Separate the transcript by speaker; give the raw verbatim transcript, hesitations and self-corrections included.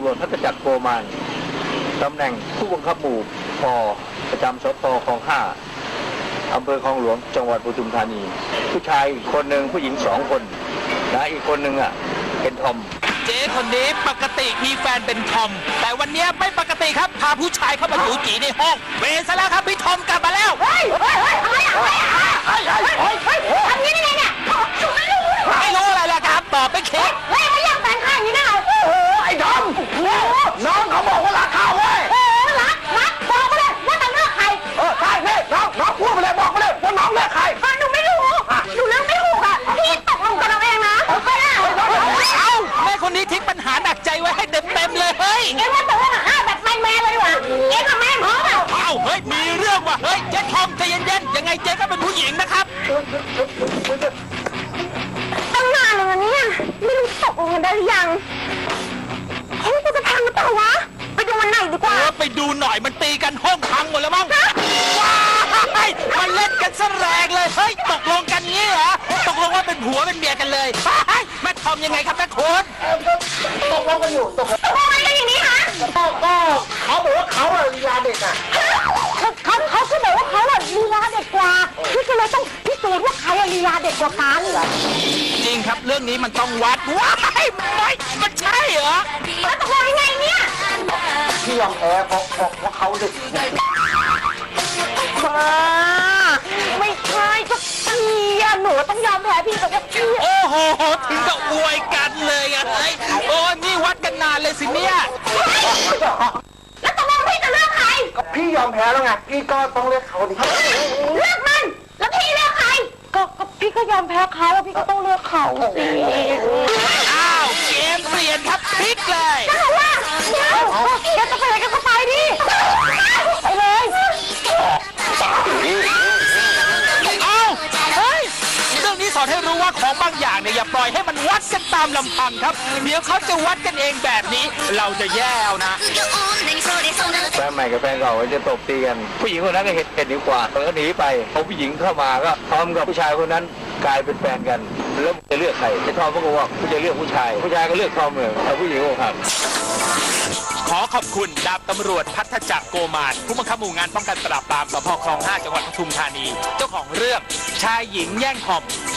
Speaker 1: จพัฒจักรโกมานตำแหน่งผู้บังคับหมู่พประจำสพคลองห้าอำเภอคลองหลวงจังหวัดปทุมธานีผู้ชายอีกคนหนึ่งผู้หญิงสองคนนะอีกคนหนึ่งอ่ะเป็นทอม
Speaker 2: เจ๊คนนี้ปกติมีแฟนเป็นทอมแต่วันนี้ไม่ปกติครับพาผู้ชายเข้ามาอยู่จีในห้องเวรซะแล้วครับพี่ทอมกลับมาแล้ว
Speaker 3: เฮ้ยเฮ้ยเฮ้ยอะไรอะไรเฮ้ยเฮ้ยเฮ้ยทำนี้ได้ไงเนี่ยถูกไม่รู้
Speaker 2: ไม่รู้อะไรล่ะครับตอบไม่คิด
Speaker 3: เฮ้ยไม่อยากแต่งข้างนี้นะโอ้โห
Speaker 1: ไอ้ทอมน้องเขาบอกว่ารักเขาเว้ย
Speaker 3: โอ้รักรักบอกมาเลยว่าจะเลือกใคร
Speaker 1: เออใช่นี่น้องน้องพูดไปเลยบอกไปเลยว่าน้องเลือกใคร
Speaker 3: หนูไม่รู้หนูเลือกไม่ถูกอ่ะพี่ตกลงกันเอาเองนะโอเคนะ
Speaker 2: เอ้าแม่คนนี้ทิ้งปัญหาหนักใจไว้ให้เต็มเต็มเลยเฮ้ย
Speaker 3: เอ็งว่าตกลงอ่ะแบบแมนแมนเลยดีกว่าเอ็งกับแม่พร้อมเปล่า
Speaker 2: เอ้าเฮ้ยมีเรื่องว่ะเฮ้ยเจ๊ทอมใจเย็นๆยังไงเจ๊ก็เป็นผู้หญิงนะครับ
Speaker 3: ตั้งนานเลยนะเนี่ยไม่รู้ตกลงกันได้หรือยังเฮ้ยจะพังหรือเปล่าวะไปดูวันไหนดีกว่า
Speaker 2: ไปดูหน่อยมันตีกันห้องพังหมดแล้วมั้งว้ายมันเล่นกันซะแรงเลยเฮ้ยตกลงกันงี้เหรอตกลงว่าเป็นผัวเป็นเมียกันเลยแม่ทอมยังไงครับแม่คุณ
Speaker 1: ตกลงกันอยู่ตกลง
Speaker 3: ทำไมกันอย่างนี้ฮะ
Speaker 1: ก็เขาบอกว่าเขาอะลีลาเด็กอะ
Speaker 3: เขาเขาเขาบอกว่าเขาอะลีลาเด็กกว่าพี่ก็เลยต้องพิสูจน์ว่าใครอะลีลาเด็กกว่ากัน
Speaker 2: จริงครับเรื่องนี้มันต้องวัดว้ายไม่มันใช่เหรอ
Speaker 3: แล้วตกลงยังไงเนี่ย
Speaker 1: พี่ยอมแพ้เพราะเพราะเขาเด็ก
Speaker 3: ไม่ใช่ก็พี่อะหนูต้องยอมแพ้พี่กับพี่
Speaker 2: โอ้โหถึงกับอวยกันเลยอะเฮ้ยโอ้นี่วัดกันนานเลยสิเนี่ย
Speaker 3: แล้วตกลงพี่จะเลือกใคร
Speaker 1: พี่ยอมแพ้แล้วไงพี่ก็ต้องเลือกเขาดิ
Speaker 3: เลือกมันแล้วพี่เลือกใครก็ก็พี่ก็ยอมแพ้เขาแล้วพี่ก็ต้องเลือกเขาสิ
Speaker 2: อ้าวเกมเปลี่ยนครับพลิกเลย
Speaker 3: ก็บอกว่าเดี๋ยวแกจะไปไหนกันก็ไปดิไปเลย
Speaker 2: เอ้าเฮ้ยเรื่องนี้สอนให้รู้ว่าของบางอย่างเนี่ยอย่าปล่อยให้มันวัดกันตามลำพังครับเดี๋ยวเขาจะวัดกันเองแบบนี้เราจะแย่เอานะ
Speaker 1: แฟนใหม่กับแฟนเก่าจะตบตีกันผู้หญิงคนนั้นก็เห็นเห็นดีกว่าแล้วก็หนีไปพอผู้หญิงเข้ามาก็ทอมกับผู้ชายคนนั้นกลายเป็นแฟนกันแล้วจะเลือกใครไอ้ทอมก็บอกว่าผู้จะเลือกผู้ชายผู้ชายก็เลือกทอมเลยแต่ผู้หญิงก็ครับ
Speaker 2: ขอขอบคุณดาบตำรวจพัฒจักรโกมานผู้บังคับหมู่งานป้องกันปราบปรามสพคลองห้าจังหวัดปทุมธานีเจ้าของเรื่องชายหญิงแย่งทอม